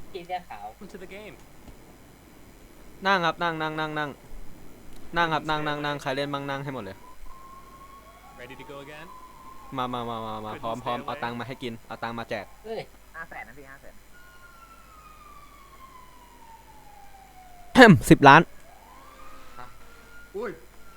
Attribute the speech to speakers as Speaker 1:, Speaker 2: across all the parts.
Speaker 1: พี่เสื้อขาว
Speaker 2: Into the game.
Speaker 3: นั่งครับนั่งครับนั่งใครเล่นบ้างนั่งให้หมดเลย
Speaker 2: Ready to go again?
Speaker 3: มาพร้อมเอาตังค์มาให้กินเอาตังค์มาแจก
Speaker 1: เฮ้ย
Speaker 4: 500,000นะพี่500,000
Speaker 3: 10 ล้าน
Speaker 4: อุ้ย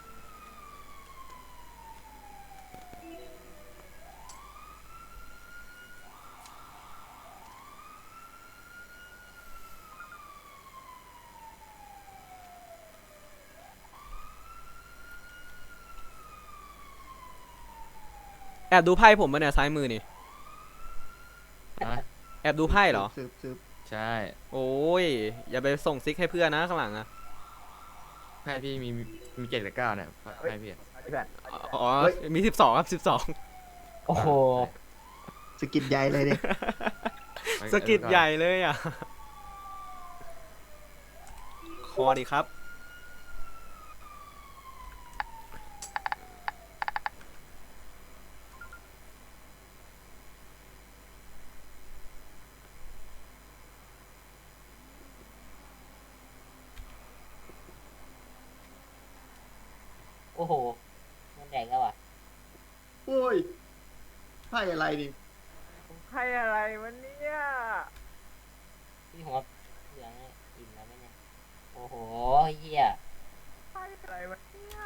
Speaker 3: แอบดูไพ่ผมมาเนี่ยซ้ายมือนี่
Speaker 5: นะ
Speaker 3: แอบดูไพ่เหรอ
Speaker 4: สืบ
Speaker 5: ใช่
Speaker 3: โอ้ยอย่าไปส่งซิกให้เพื่อนนะข้างหลังอะ
Speaker 5: ไพ่พี่มี7 กับ 9เนี่ยไพ่พี่
Speaker 4: พี่แผ่น
Speaker 3: อ๋อมี12ครับ12
Speaker 1: โอ้โห
Speaker 4: สกิดใหญ่เลยดิ
Speaker 3: สกิดใหญ่เลยอ่ะคอดีครับ
Speaker 1: โอ้โหมันแดงแล้วอ่ะ
Speaker 4: โอ้ยไพ่อะไรดิ
Speaker 6: ใครอะไรวันเนี้ย
Speaker 1: พี่หัวเหลืองอิ่มแล้วไหมเนี่ยโอ้โหเหี้ย
Speaker 6: ใครอะไรวันเนี้ย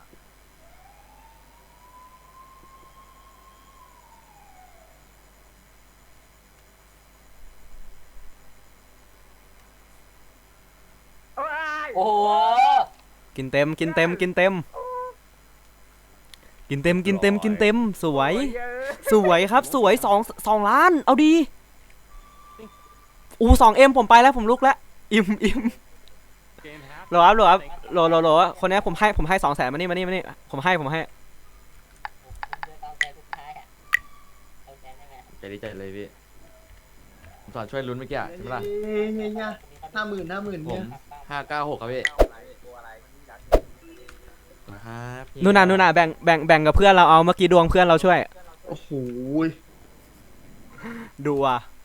Speaker 6: โอ้ย
Speaker 1: โอ้โห
Speaker 3: กินเต็มสวยสวยครับสวย2 ล้านเอาดี2M ผมไปแล้วผมลุกแล้วอิ่ม
Speaker 2: Game half.
Speaker 3: โหลครับคนนี้ผมให้200,000มานี่ผมให้
Speaker 1: ผมจะต้องใจทุกท้ายอ่ะเอาใจได้ไหม
Speaker 5: ใจดีใจเลยพี่ผมสอนช่วยลุ้นเมื่อกี้อะใช่ไหมล่ะ
Speaker 4: เนี่ย50,000
Speaker 5: ผม
Speaker 4: เนี่ย
Speaker 5: 596ครับพี่นะครับ
Speaker 3: นู่นน่ะแบ่งกับเพื่อนเราเอาเมื่อกี้ดวงเพื่อนเราช่วย
Speaker 4: โอ้โห
Speaker 3: ดูอ่ะ